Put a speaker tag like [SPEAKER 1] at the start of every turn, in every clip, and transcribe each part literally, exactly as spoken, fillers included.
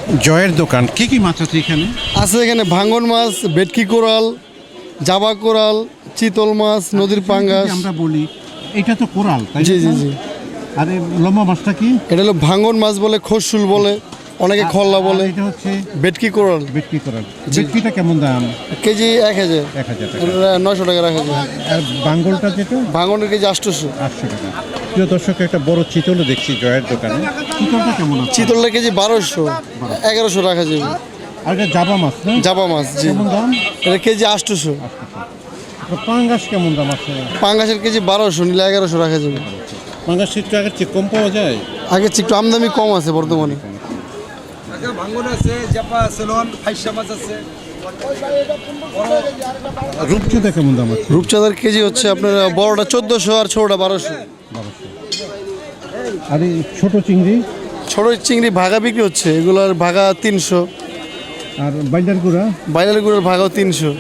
[SPEAKER 1] জয়ের দোকান, কি কি মাছ আছে এখানে?
[SPEAKER 2] আছে এখানে ভাঙন মাছ, ভেটকি কোরাল, জাবা কোরাল, চিতল মাছ, নদীর পাঙ্গাস।
[SPEAKER 1] আমরা বলি এটা তো কোরাল, তাই
[SPEAKER 2] জি
[SPEAKER 1] না?
[SPEAKER 2] জি জি
[SPEAKER 1] আর এই লম্বা মাছটা কি?
[SPEAKER 2] এটা হলো ভাঙন মাছ বলে, খরশুল বলে, অনেকে খল্লা বলে।
[SPEAKER 1] আর এটা হচ্ছে
[SPEAKER 2] ভেটকি কোরাল
[SPEAKER 1] ভেটকি কোরাল। ভেটকিটা কেমন দাম?
[SPEAKER 2] কেজি এক হাজার
[SPEAKER 1] এক হাজার টাকা।
[SPEAKER 2] এটা নয়শো টাকা রাখা যায়।
[SPEAKER 1] আর বাঙ্গলটা যেটা
[SPEAKER 2] ভাঙনের কেজি আটশোশো।
[SPEAKER 1] আটশো টাকা। প্রিয় দর্শক, একটা বড় চিতলও দেখছি জয়ের দোকানে। চিতলটা কেমন আছে?
[SPEAKER 2] চিতলটা কেজি বারোশো, এগারোশো রাখা যাবে।
[SPEAKER 1] আর এটা জাবা মাছ না?
[SPEAKER 2] জাবা মাছ, জি।
[SPEAKER 1] কেমন দাম?
[SPEAKER 2] এটা কেজি আটশোশো।
[SPEAKER 1] আর পাঙ্গাস কেমন দাম আছে?
[SPEAKER 2] পাঙ্গাসের কেজি বারোশো, নিলে এগারোশো রাখা যাবে।
[SPEAKER 1] পাঙ্গাস একটু আগের চেয়ে কম পাওয়া যায়?
[SPEAKER 2] আগের চেয়ে একটু আমদানি কম আছে বর্তমানে।
[SPEAKER 3] ভাঙন আছে, জাপা আছে, লন ফাইসা মাছ আছে।
[SPEAKER 1] রূপচাঁদা কেমন দাম আছে?
[SPEAKER 2] রূপচাঁদার কেজি হচ্ছে আপনার বড়টা চোদ্দোশো আর ছোটটা বারোশো।
[SPEAKER 1] আর এই ছোট চিংড়ি?
[SPEAKER 2] ছোট চিংড়ি ভাগা বিক্রি হচ্ছে, এগুলোর ভাগা তিনশো।
[SPEAKER 1] আর বাইলার গুঁড়া?
[SPEAKER 2] বাইরের গুঁড়োর ভাগাও তিনশো।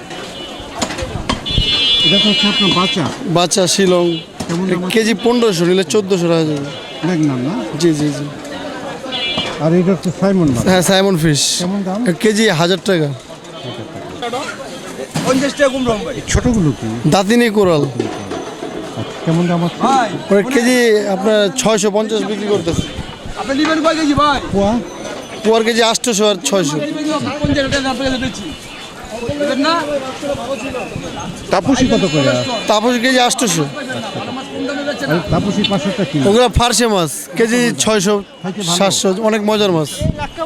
[SPEAKER 1] এটা তো হচ্ছে আপনার বাচ্চা।
[SPEAKER 2] বাচ্চা শিলং
[SPEAKER 1] কেমন দাম আছে?
[SPEAKER 2] কেজি পনেরোশো, নিলে চোদ্দোশো রাখা যাবে।
[SPEAKER 1] ম্যাগনাম না?
[SPEAKER 2] জি জি জি।
[SPEAKER 1] আর এটা হচ্ছে সাইমন মাছ।
[SPEAKER 2] হ্যাঁ, সাইমন ফিশ।
[SPEAKER 1] কেমন দাম?
[SPEAKER 2] কেজি হাজার টাকা।
[SPEAKER 3] পঞ্চাশ টাকা কম রকম ভাই।
[SPEAKER 1] এই ছোটগুলো কি?
[SPEAKER 2] দাঁতিনি কোরাল,
[SPEAKER 1] কেমন দাম আছে?
[SPEAKER 3] ভাই
[SPEAKER 2] ওর কেজি আপনার ছয়শো পঞ্চাশ বিক্রি করতেছে।
[SPEAKER 3] আপনি নেবেন কয় কেজি ভাই?
[SPEAKER 1] পোয়া?
[SPEAKER 2] পোয়ার কেজি আটশোশো আর ছয়শো।
[SPEAKER 3] পঞ্চাশ টাকা আপনাকে দিচ্ছি। নেবেন না?
[SPEAKER 1] তাপসি কত করে?
[SPEAKER 2] তারপর কেজি আটশোশো।
[SPEAKER 1] আর তাপসি পাঁচশোটা কি?
[SPEAKER 2] ওগুলো ফার্সে মাছ, কেজি ছয়শো সাতশো, অনেক মজার মাছ।